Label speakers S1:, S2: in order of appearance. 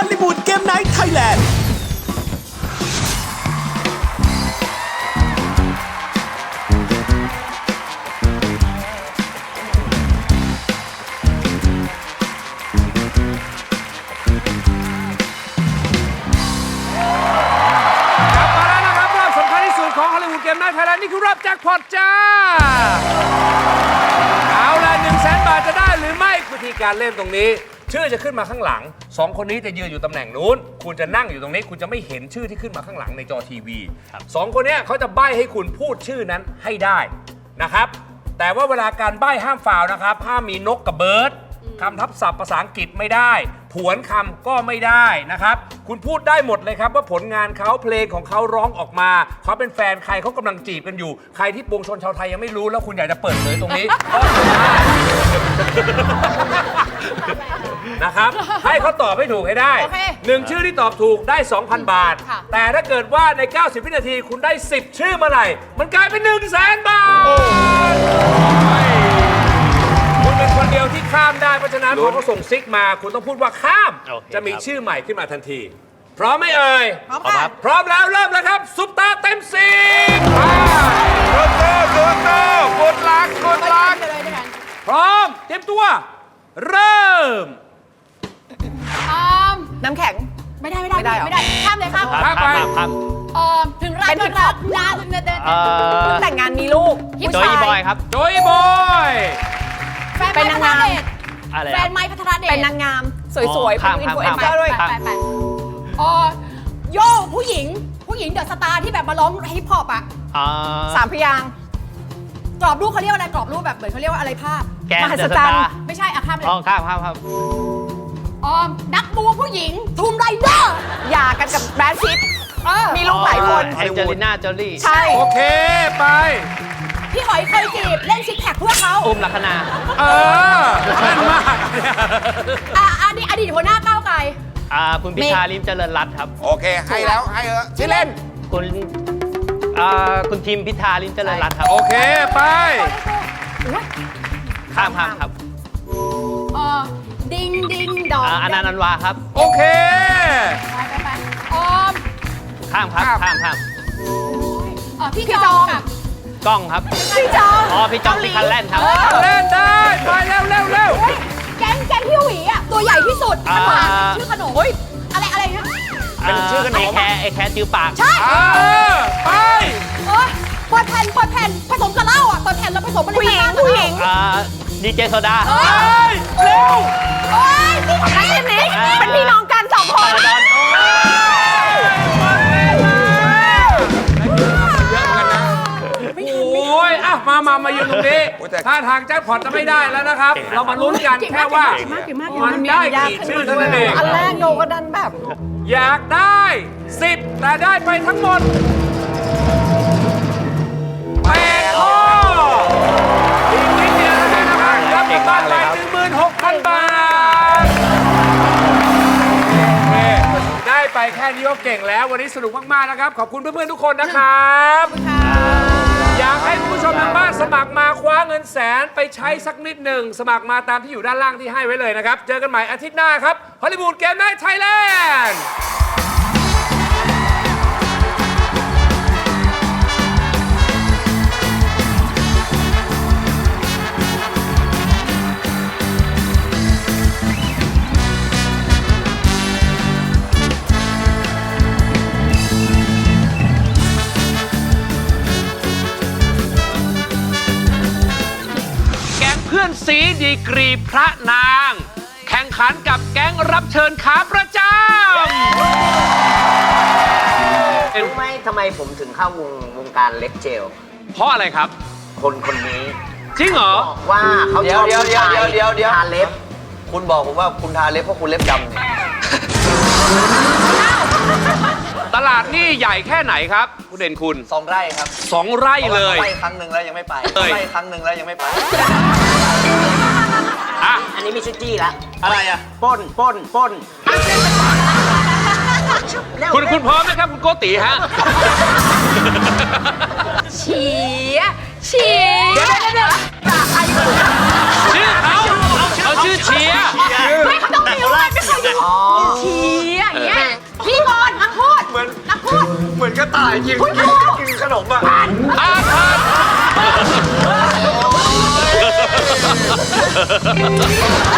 S1: ลลีวูดเกมไนท์ไทยแลนด์
S2: เกมไนท์ไทยแลนด์นี่คือรอบแจ็คพอตจ้าเอาละ100,000 บาทจะได้หรือไม่วิธีการเล่นตรงนี้ชื่อจะขึ้นมาข้างหลัง2คนนี้จะยืนอยู่ตำแหน่งนู้นคุณจะนั่งอยู่ตรงนี้คุณจะไม่เห็นชื่อที่ขึ้นมาข้างหลังในจอทีวี2คนนี้เขาจะใบ้ให้คุณพูดชื่อนั้นให้ได้นะครับแต่ว่าเวลาการใบ้ห้ามฟาวนะครับห้ามมีนกกับเบิร์ดคำทับศัพท์ภาษาอังกฤษไม่ได้ผวนคำก็ไม่ได้นะครับคุณพูดได้หมดเลยครับว่าผลงานเขาเพลงของเขาร้องออกมาเขาเป็นแฟนใครเขากำลังจีบกันอยู่ใครที่ปวงชนชาวไทยยังไม่รู้แล้วคุณอยากจะเปิดเผยตรงนี้ก็ได้นะครับให้เขาตอบให้ถูกให้ได้1ชื่อที่ตอบถูกได้ 2,000 บาทแต่ถ้าเกิดว่าใน90 วินาทีคุณได้10ชื่อเมื่อไหร่มันกลายเป็น100,000 บาทคุณเป็นคนเดียวที่ข้ามได้เพราะฉะนั้นพอเขาส่งซิกมาคุณต้องพูดว่าข้ามจะมีชื่อใหม่ขึ้นมาทันทีพร้อมไหมเอ่ยพร้อมครับพร้อมแล้วเริ่มแล้วครับซุปตาเต็มสิบโกโก้กดลักพร้อมเตรียมตัวเริ่ม
S3: น้ำแข็ง
S4: ไม่ได้ข้ามเลยครับ
S2: ข้ามไป
S4: ถึงรักนาน
S3: แต่งงานมีลูก
S5: โจยบอยครับ
S2: โจยบอย
S4: แฟนเป็นนางงามแฟนไม้พัทรเดช
S3: เป็นนางงามสวยๆเป็นอินฟลูเอนเซอร์ด้วย
S4: ไปโย่ผู้หญิงเดอะสตาร์ที่แบบมาร้องฮิปฮอปอ่ะ
S3: 3 พยางค์
S4: กรอบรูปเขาเรียกว่าอะไรกรอบรูปแบบเหมือนเขาเรียกว่าอะไรภาพ
S3: มหัศจรรย์
S4: ไม่ใช่ข้ามเลย
S5: ข้าม
S4: นักบูผู้หญิงทูมไรเดอร์
S3: หย่ากันกับแบรดพิตต์มีลูกหลายคน
S5: แองเจลิน่าโจลี่
S3: ใช่
S2: โอเคไป
S4: พี่หอยเคยจีบเล่นซิกแพคเพื่อเขา
S5: ลัคนา
S2: นั่นมาก
S4: อดีตหัวหน้าก้าวไกล
S5: คุณพิธาลิ้มเจริญรัตน์ครับ
S6: โอเคให้แล้วให้ชื่อเล่น
S5: คุณทีมพิธาลิ้มเจริญรัตน์ครับ
S2: โอเคไป
S5: ข้ามครับ
S4: ดิงดอง
S5: อนันต์วาครับ
S2: โอเค
S4: ไป
S5: ข้าม
S4: พี่จองกับ
S5: กล้องครับ
S4: พี่จอง
S5: พี่จองที่คันแล่นครับ
S2: เล่นได้ไปเร็ว
S4: แก๊งพี่หวีอ่ะตัวใหญ่ที่สุดขนมชื่อขนมอะไรนะ
S5: เป็นชื่อขนมไอ้แคร์จิ้วปาก
S4: ใช่
S2: ไป
S4: เปิดแผ่นผสมกับเหล้าอ่ะเปิดแผ่นแล้วผสมอะไร
S3: ผู้หญิง
S5: ดีเจโซดา
S2: เร็ว
S3: นี่ของใครนี่เป็นพี่น้องกัน2 คน
S2: มายืนตรงนี้ถ้าทางแจ็คพอตจะไม่ได้แล้วนะครับเรามาลุ้นกันแค่ว่ามันได้กี่ชื่อเท่านั้นเอง
S3: อันแรกโยก็ดันแบบ
S2: อยากได้10แต่ได้ไปทั้งหมด8 ข้ออีกนิดเดียวนะครับรับกลับบ้านไป 16,000 บาทได้ไปแค่นี้ก็เก่งแล้ววันนี้สนุกมากๆนะครับขอบคุณเพื่อนๆทุกคนนะครับอยากให้คุณผู้ชมทางบ้านสมัครมาคว้าเงินแสนไปใช้สักนิดหนึ่งสมัครมาตามที่อยู่ด้านล่างที่ให้ไว้เลยนะครับเจอกันใหม่อาทิตย์หน้าครับฮอลลีวูดเกมไนท์ไทยแลนด์เพื่อนซีดีกรีพระนางแข่งขันกับแก๊งรับเชิญขาประจำ
S7: รู้ไหมทำไมผมถึงเข้าวงการเล็บเจล
S2: เพราะอะไรครับ
S7: คนนี้
S2: จริงเหรอ
S7: บอกว่าเขาชอบผู้ชายทาเล็บ
S6: คุณบอกผมว่าคุณทาเล็บเพราะคุณเล็บดำเนี่ย
S2: ตลาดนี่ใหญ่แค่ไหนครับคุณเด่นคุณ
S6: 2 ไร่ครับ
S2: 2 ไร่เลย
S6: ไปครั้งหนึ่งแล้วยังไม่ไปไปครั้งหนึ่งแล้วยังไม่ไป
S7: อันนี้มีชื่อจี้ละ
S2: อะไรอ่ะ
S7: ป้น
S2: คุณพร้อมไหมครับคุณโกติฮะ
S4: เฉียชื่อ
S2: เขาชื่อเชียร์
S4: ไม่เขาต้องมีว่าไม่เคย
S5: ไง
S3: ชี้อย่างเงี้ยพี่ก่อนนักพูดนักพูด
S6: เหมือนกระต่ายกินขนมอ่ะ
S2: อ่านผ่าน